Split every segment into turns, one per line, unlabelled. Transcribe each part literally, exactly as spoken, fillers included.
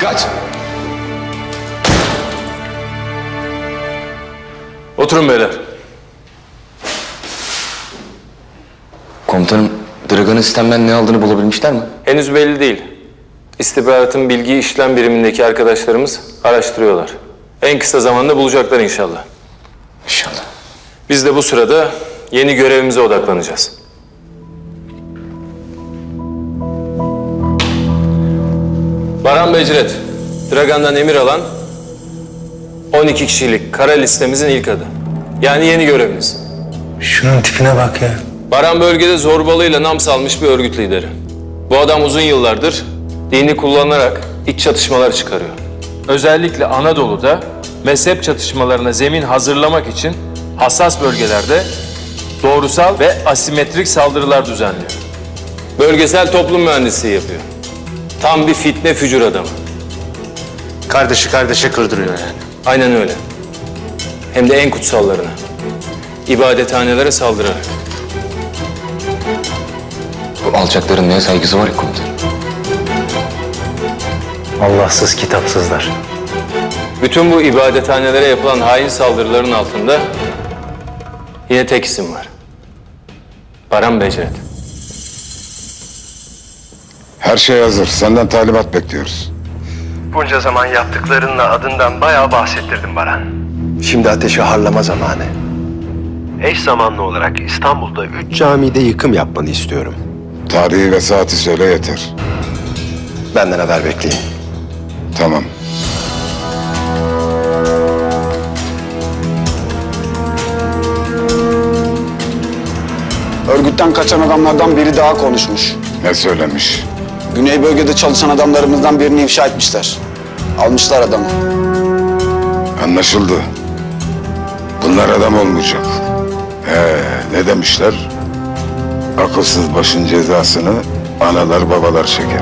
Dikkat!
Oturun beyler.
Komutanım, Dragan'ın sistemden ne aldığını bulabilmişler mi?
Henüz belli değil. İstihbaratın bilgi işlem birimindeki arkadaşlarımız araştırıyorlar. En kısa zamanda bulacaklar inşallah.
İnşallah.
Biz de bu sırada yeni görevimize odaklanacağız. Baran Becret, Dragan'dan emir alan on iki kişilik kara listemizin ilk adı. Yani yeni görevimiz.
Şunun tipine bak ya.
Baran bölgede zorbalığıyla nam salmış bir örgüt lideri. Bu adam uzun yıllardır dini kullanarak iç çatışmalar çıkarıyor. Özellikle Anadolu'da mezhep çatışmalarına zemin hazırlamak için hassas bölgelerde doğrusal ve asimetrik saldırılar düzenliyor. Bölgesel toplum mühendisliği yapıyor. Tam bir fitne fücur adamı.
Kardeşi kardeşe kırdırıyor yani.
Aynen öyle. Hem de en kutsallarına. İbadethanelere saldırarak.
Bu alçakların neye saygısı var ki komutanım?
Allahsız kitapsızlar.
Bütün bu ibadethanelere yapılan hain saldırıların altında yine tek isim var. Baran Becret.
Her şey hazır. Senden talimat bekliyoruz.
Bunca zaman yaptıklarınla adından bayağı bahsettirdim Baran. Şimdi ateşi harlama zamanı. Eş zamanlı olarak İstanbul'da üç camide yıkım yapmanı istiyorum.
Tarihi ve saati söyle yeter.
Benden haber bekleyin.
Tamam.
Örgütten kaçan adamlardan biri daha konuşmuş.
Ne söylemiş?
Güney bölgede çalışan adamlarımızdan birini ifşa etmişler. Almışlar adamı.
Anlaşıldı. Bunlar adam olmayacak. He, ne demişler? Akılsız başın cezasını analar babalar çeker.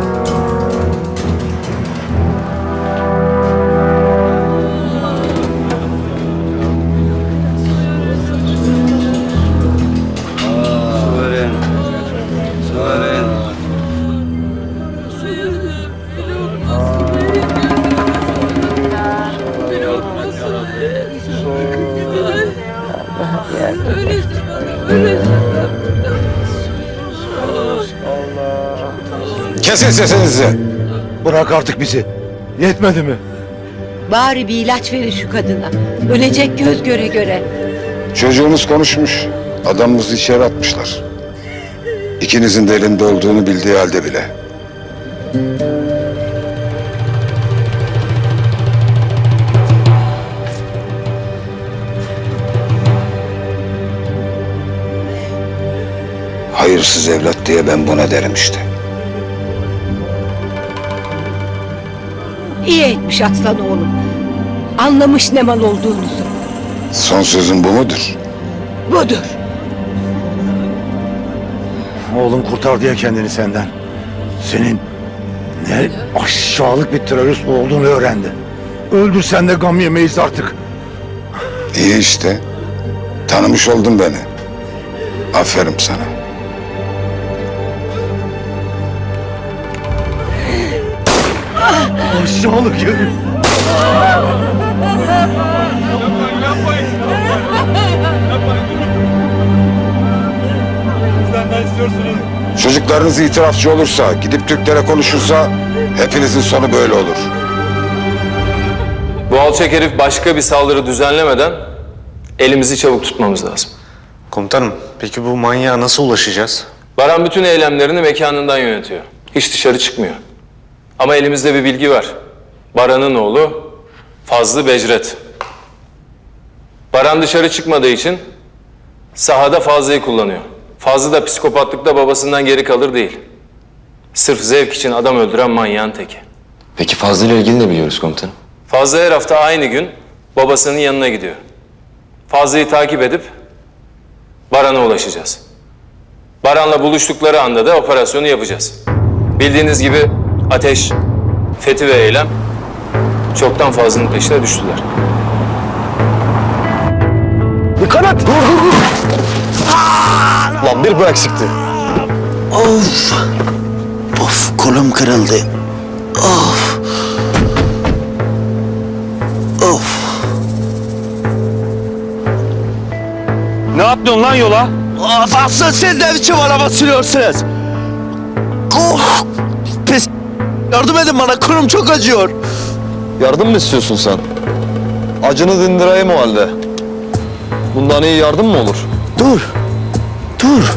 Kesin sesinizi.
Bırak artık bizi. Yetmedi mi?
Bari bir ilaç verin şu kadına. Ölecek göz göre göre.
Çocuğumuz konuşmuş. Adamımızı içeri atmışlar. İkinizin de elinde olduğunu bildiği halde bile. Hayırsız evlat diye ben buna derim işte.
İyi etmiş aslan oğlum. Anlamış ne mal olduğunuzu.
Son sözün bu mudur?
Budur.
Oğlum kurtar diye kendini senden. Senin ne aşağılık bir terörist olduğunu öğrendi. Öldürsen de gam yemeyiz artık.
İyi işte. Tanımış oldun beni. Aferin sana.
Aşağılık herif.
Çocuklarınız itirafçı olursa, gidip Türklere konuşursa hepinizin sonu böyle olur.
Bu alçak herif başka bir saldırı düzenlemeden elimizi çabuk tutmamız lazım.
Komutanım, peki bu manyağa nasıl ulaşacağız?
Baran bütün eylemlerini mekanından yönetiyor. Hiç dışarı çıkmıyor. Ama elimizde bir bilgi var. Baran'ın oğlu Fazlı Becret. Baran dışarı çıkmadığı için sahada Fazlı'yı kullanıyor. Fazlı da psikopatlıkta babasından geri kalır değil. Sırf zevk için adam öldüren manyağın teki.
Peki Fazlı ile ilgili ne biliyoruz komutanım?
Fazlı her hafta aynı gün babasının yanına gidiyor. Fazlı'yı takip edip Baran'a ulaşacağız. Baran'la buluştukları anda da operasyonu yapacağız. Bildiğiniz gibi ateş, fethi ve eylem çoktan Fazlı'nın peşine düştüler.
Dikkat et! Dur dur dur!
Lan bir bu eksikti.
Of! Of kolum kırıldı. Of!
yapıyorsun lan yola? Asıl siz ne biçim araba sürüyorsunuz? Oh, pis. Yardım edin bana, kurum çok acıyor.
Yardım mı istiyorsun sen? Acını dindireyim o halde. Bundan iyi yardım mı olur?
Dur, dur.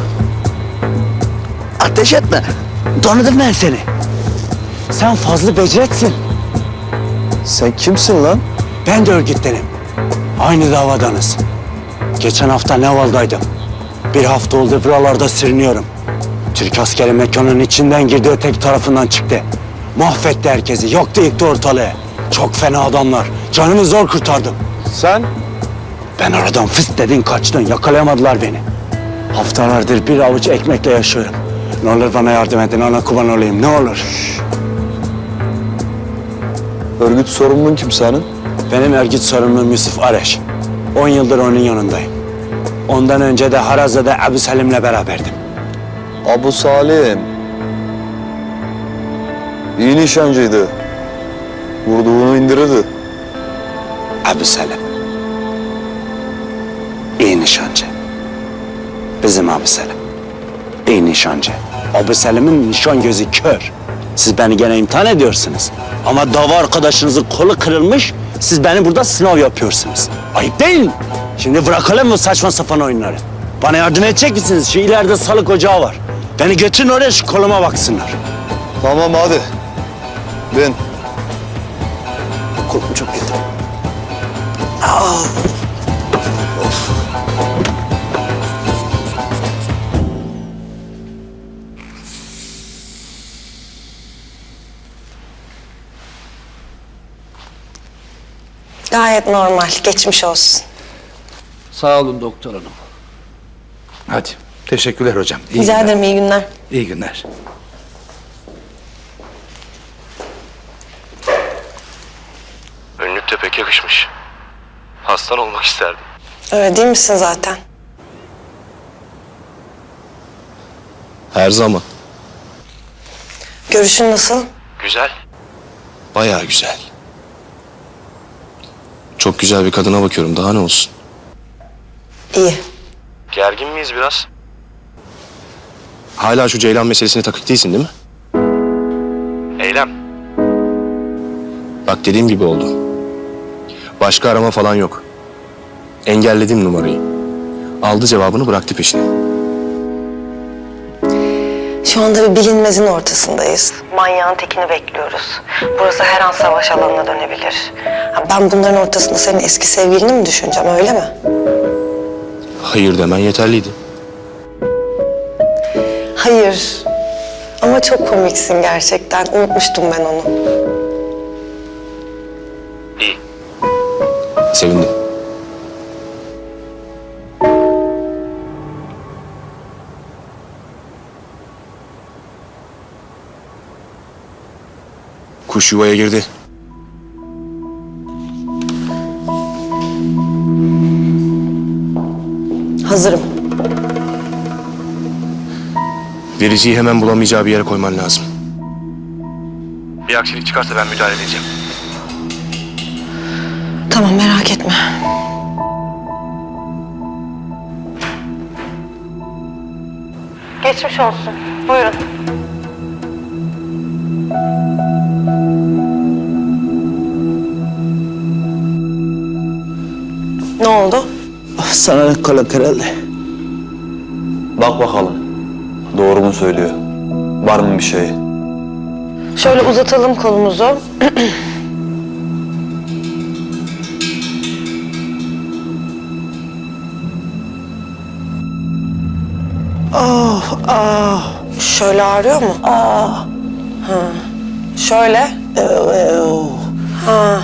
Ateş etme. Tanıdım ben seni. Sen Fazlı Becret'sin.
Sen kimsin lan?
Ben de örgütlenim. Aynı davadanız. Geçen hafta Neval'daydım. Bir hafta oldu buralarda sürünüyorum. Türk askeri mekanın içinden girdi, öteki tarafından çıktı. Mahvetti herkesi, yaktı yıktı ortalığı. Çok fena adamlar. Canımı zor kurtardım.
Sen?
Ben aradan fıst dedin kaçtın, yakalayamadılar beni. Haftalardır bir avuç ekmekle yaşıyorum. Ne olur bana yardım edin, ana kurban olayım, ne olur.
Örgüt sorumlun kim senin?
Benim örgüt sorumlum Yusuf Areş. On yıldır onun yanındayım. Ondan önce de Harazlı'da Ebu Selim'le beraberdim.
Abu Salim. İyi nişancıydı. Vurduğunu indirirdi.
Ebu Selim. İyi nişancı. Bizim Ebu Selim. İyi nişancı. Ebu Selim'in nişan gözü kör. Siz beni gene imtihan ediyorsunuz. Ama dava arkadaşınızın kolu kırılmış, siz beni burada sınav yapıyorsunuz. Ayıp değil mi? Şimdi bırakalım mı saçma sapan oyunları? Bana yardım edecek misiniz? Şu ileride sağlık ocağı var. Beni götürün oraya, şu koluma baksınlar.
Tamam hadi. Bin.
Kolum çok kötü.
Gayet normal. Geçmiş olsun.
Sağ olun doktor hanım. Hadi. Teşekkürler hocam. İyi
Rica
günler.
ederim. İyi günler.
İyi günler.
Önlük de pek yakışmış. Hastan olmak isterdim.
Öyle değil misin zaten?
Her zaman.
Görüşün nasıl?
Güzel.
Bayağı güzel. Çok güzel bir kadına bakıyorum. Daha ne olsun?
İyi.
Gergin miyiz biraz?
Hala şu Ceylan meselesine takık değilsin değil mi?
Eylem.
Bak dediğim gibi oldu. Başka arama falan yok. Engelledim numarayı. Aldı cevabını, bıraktı peşine.
Şu anda bir bilinmezin ortasındayız. Manyağın tekini bekliyoruz. Burası her an savaş alanına dönebilir. Ha, ben bunların ortasında senin eski sevgilini mi düşüneceğim, öyle mi?
Hayır demen yeterliydi.
Hayır. Ama çok komiksin gerçekten. Unutmuştum ben onu.
İyi.
Sevindim. Kuş yuvaya girdi.
Hazırım.
Vericiyi hemen bulamayacağı bir yere koyman lazım.
Bir aksilik çıkarsa ben müdahale edeceğim.
Tamam, merak etme. Geçmiş olsun. Buyurun. Ne oldu?
Sana kolu kırıldı.
Bak bakalım. Doğru mu söylüyor? Var mı bir şey?
Şöyle uzatalım kolumuzu.
Ah, ah.
Şöyle ağrıyor mu?
Ah.
Ha. Şöyle.
Ev,
Ha.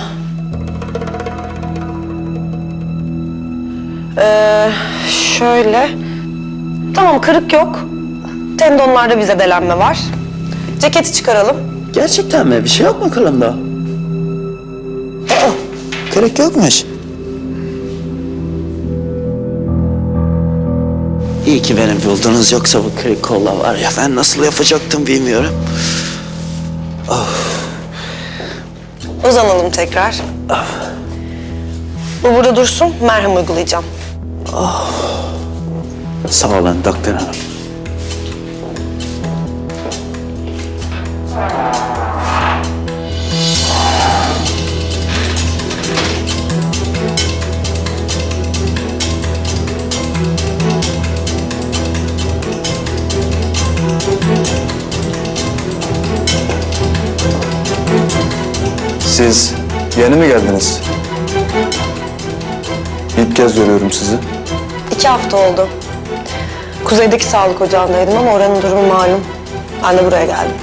Ee, şöyle. Tamam, kırık yok. Tendonlarda bir zedelenme var. Ceketi çıkaralım.
Gerçekten mi? Bir şey yok mu kolumda? Aa, kırık yokmuş. İyi ki benim buldunuz, yoksa bu kırık kolla var ya, ben nasıl yapacaktım bilmiyorum.
Uzanalım tekrar. Bu burada dursun, merhem uygulayacağım.
Sağ olun doktor hanım.
Siz yeni mi geldiniz? İlk kez görüyorum sizi.
İki hafta oldu. Kuzeydeki sağlık ocağındaydım ama oranın durumu malum. Ben de buraya geldim.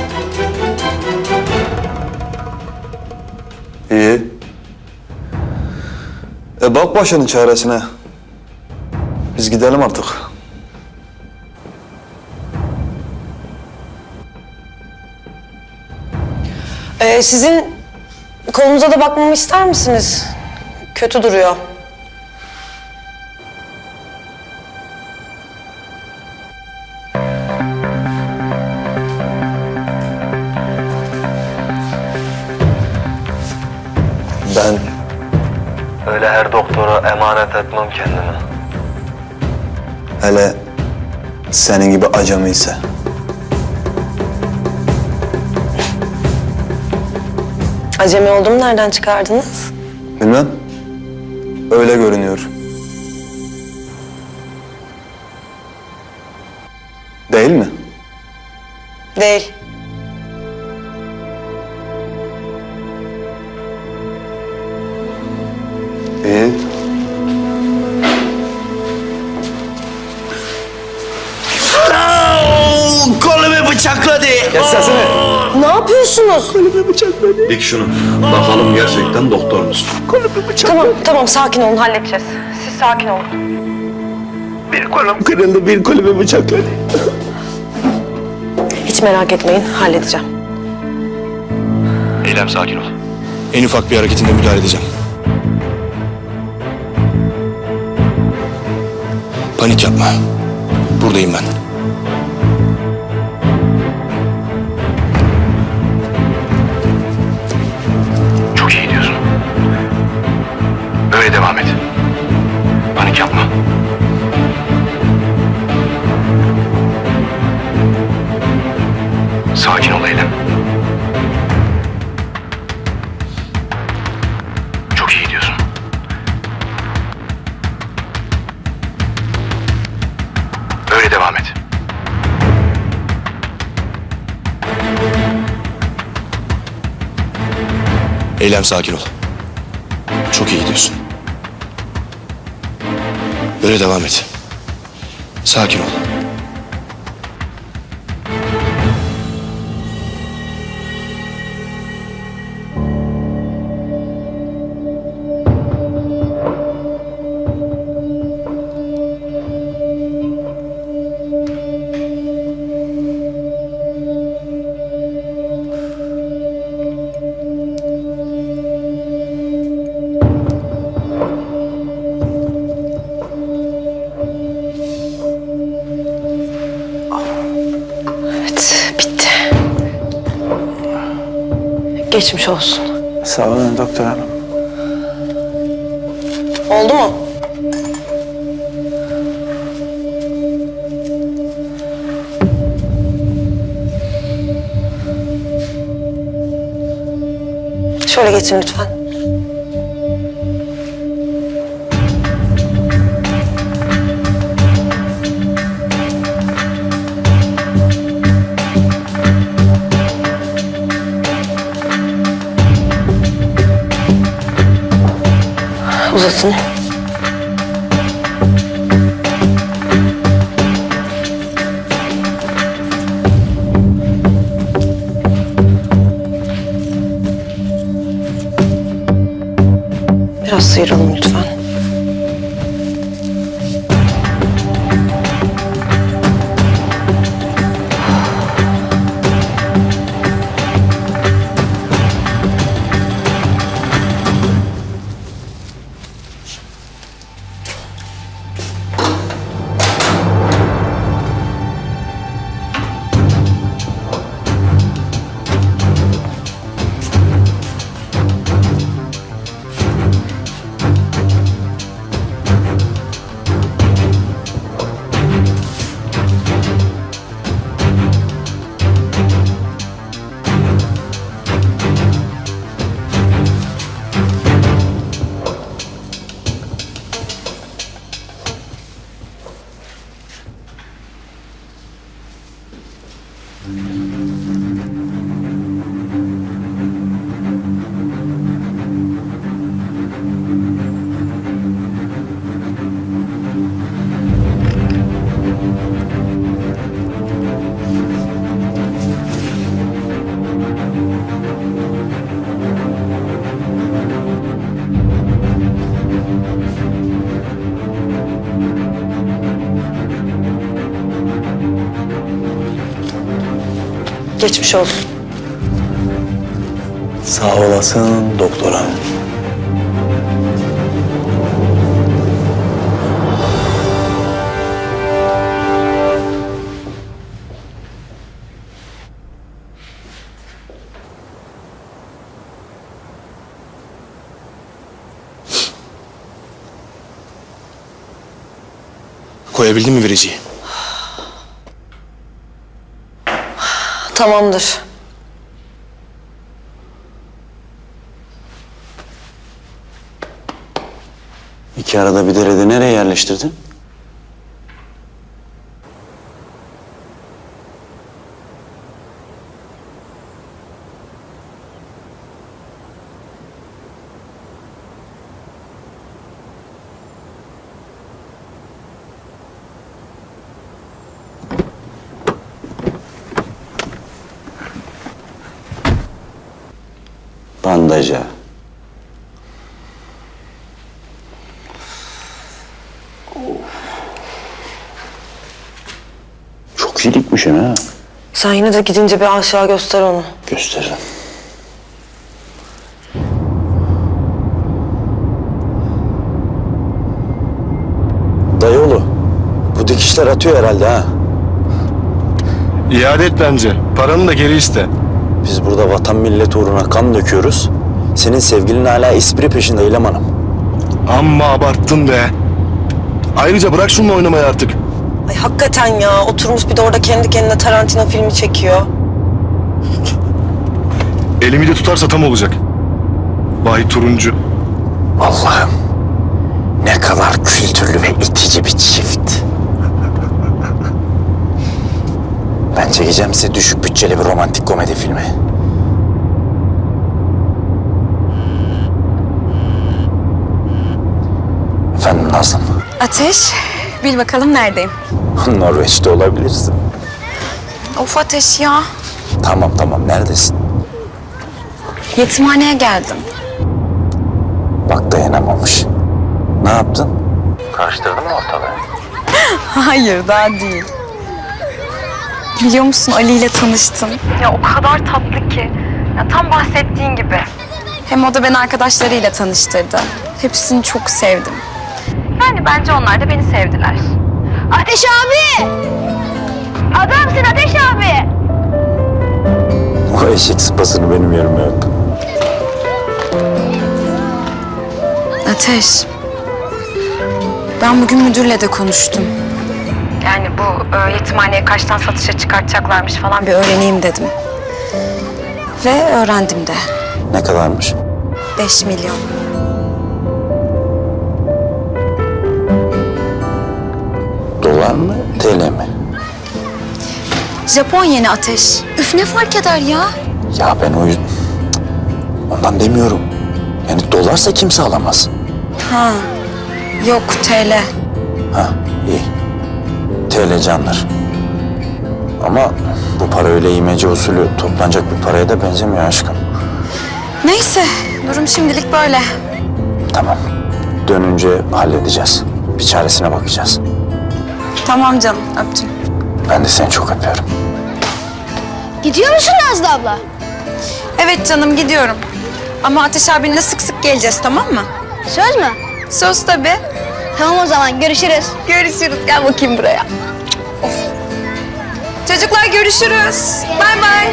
İyi. E bak başının çaresine. Biz gidelim artık.
Ee, sizin kolunuza da bakmamı ister misiniz? Kötü duruyor.
Ben
Öyle her doktora emanet etmem kendimi.
hele senin gibi acemi ise.
Acemi olduğumu nereden çıkardınız?
Bilmem. Öyle görünüyor. Değil mi?
Değil.
İyi.
Kolumu bıçakladı.
Kes sesini.
Ne yapıyorsunuz?
Dik şunu. Bakalım gerçekten doktor musun?
Tamam, tamam sakin olun halledeceğiz. Siz sakin olun.
Bir kolum kırıldı, bir kolumu bıçakladı.
Hiç merak etmeyin, halledeceğim.
Eylem sakin ol. En ufak bir hareketinde müdahale edeceğim. Panik yapma. Buradayım ben. Çok iyi gidiyorsun. Böyle devam et. Panik yapma. Sakin ol Eylem. Çok iyi gidiyorsun. Böyle devam et. Eylem sakin ol. Çok iyi gidiyorsun. Böyle devam et. Sakin ol.
Evet, bitti. Geçmiş olsun.
Sağ olun doktor hanım.
Oldu mu? Şöyle geçin lütfen. Uzatın. Biraz sıyıralım lütfen. Geçmiş olsun.
Sağ olasın doktor hanım.
Koyabildin mi vericiyi?
Tamamdır.
İki arada bir derede nereye yerleştirdin? Bandaja. Çok iyi dikmişsin ha.
Sen yine de gidince bir aşağı göster onu.
Gösteririm. Dayıoğlu, bu dikişler atıyor herhalde ha.
İade et bence. Paranı da geri iste.
Biz burada vatan millet uğruna kan döküyoruz. Senin sevgilin hala espri peşinde İlem Hanım.
Amma abarttın be. Ayrıca bırak şununla oynamayı artık.
Ay hakikaten ya, oturmuş bir de orada kendi kendine Tarantino filmi çekiyor.
Elimi de tutarsa tam olacak. Vay turuncu.
Allah'ım, ne kadar kültürlü ve itici bir çift. Ben çekeceğim size düşük bütçeli bir romantik komedi filmi. Efendim Nazım,
Ateş, bil bakalım neredeyim?
Norveç'te olabilirsin.
Of Ateş ya.
Tamam tamam, neredesin?
Yetimhaneye geldim.
Bak dayanamamış. Ne yaptın? Karıştırdın mı ortalığı?
Hayır, daha değil. Biliyor musun, Ali ile tanıştım. Ya o kadar tatlı ki. Ya tam bahsettiğin gibi. Hem o da beni arkadaşlarıyla tanıştırdı. Hepsini çok sevdim. Yani bence onlar da beni sevdiler.
Ateş abi! Adamsın Ateş abi!
O eşek sıpasını benim yerime yap.
Ateş, ben bugün müdürle de konuştum. Yani bu e, yetimhaneye kaçtan satışa çıkartacaklarmış falan bir öğreneyim dedim. Ve öğrendim de.
Ne kadarmış?
Beş milyon.
Dolar mı, T L mi?
Japon yeni Ateş. Üf ne fark eder ya?
Ya ben o yüzden... Ondan demiyorum. Yani dolarsa kimse alamaz.
Ha, yok T L.
Ha, iyi. T L candır. Ama bu para öyle imece usulü toplanacak bir paraya da benzemiyor aşkım.
Neyse, durum şimdilik böyle.
Tamam. Dönünce halledeceğiz. Bir çaresine bakacağız.
Tamam canım, öptüm.
Ben de seni çok öpüyorum.
Gidiyor musun Nazlı abla?
Evet canım, gidiyorum. Ama Ateş abinle sık sık geleceğiz, tamam mı?
Söz mü?
Söz tabii.
Tamam o zaman görüşürüz.
Görüşürüz, gel bakayım buraya. Of. Çocuklar görüşürüz. Bay bay.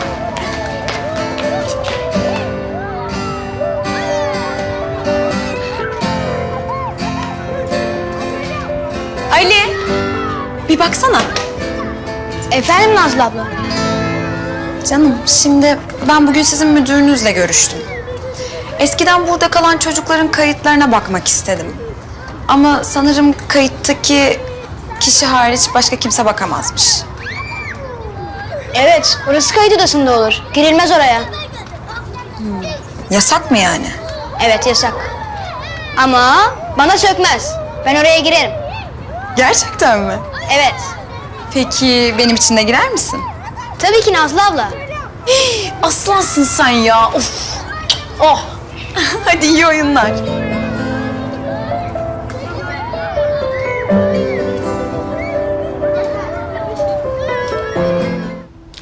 Ali, bir baksana.
Efendim Nazlı abla?
Canım, şimdi ben bugün sizin müdürünüzle görüştüm. Eskiden burada kalan çocukların kayıtlarına bakmak istedim. Ama sanırım kayıttaki kişi hariç başka kimse bakamazmış.
Evet, orası kayıt odasında olur. Girilmez oraya.
Yasak mı yani?
Evet yasak. Ama bana sökmez. Ben oraya girerim.
Gerçekten mi?
Evet.
Peki benim için de girer misin?
Tabii ki Nazlı abla.
Aslansın sen ya. Of. Oh. Hadi iyi oyunlar.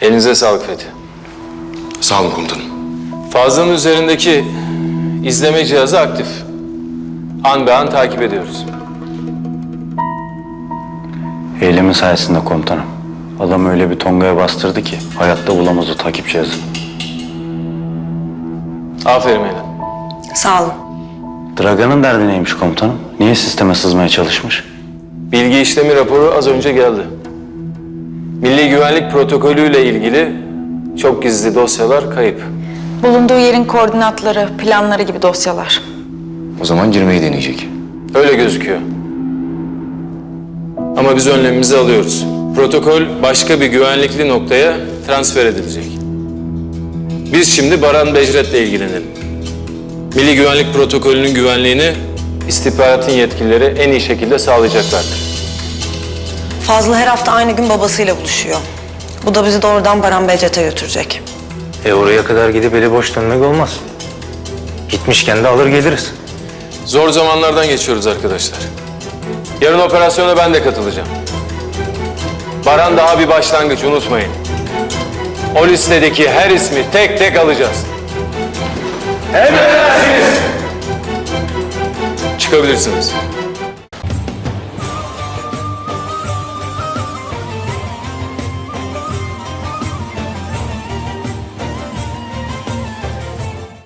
Elinize sağlık Fethi.
Sağ olun komutanım.
Fazlının üzerindeki izleme cihazı aktif. An be an takip ediyoruz.
Eylemin sayesinde komutanım. Adam öyle bir tongaya bastırdı ki hayatta bulamaz o takip cihazını.
Aferin Eylem.
Sağ olun.
Dragan'ın derdi neymiş komutanım? Niye sisteme sızmaya çalışmış?
Bilgi işlemi raporu az önce geldi. Milli güvenlik protokolüyle ilgili çok gizli dosyalar kayıp.
Bulunduğu yerin koordinatları, planları gibi dosyalar.
O zaman girmeyi deneyecek.
Öyle gözüküyor. Ama biz önlemimizi alıyoruz. Protokol başka bir güvenlikli noktaya transfer edilecek. Biz şimdi Baran Becret'le ilgilenelim. Milli güvenlik protokolünün güvenliğini istihbaratın yetkilileri en iyi şekilde sağlayacaklardır.
Fazlı her hafta aynı gün babasıyla buluşuyor. Bu da bizi doğrudan Baran Becret'e götürecek.
E oraya kadar gidip eli boş dönmek olmaz. Gitmişken de alır geliriz.
Zor zamanlardan geçiyoruz arkadaşlar. Yarın operasyona ben de katılacağım. Baran daha bir başlangıç, unutmayın. O listedeki her ismi tek tek alacağız. Emredersiniz. Çıkabilirsiniz.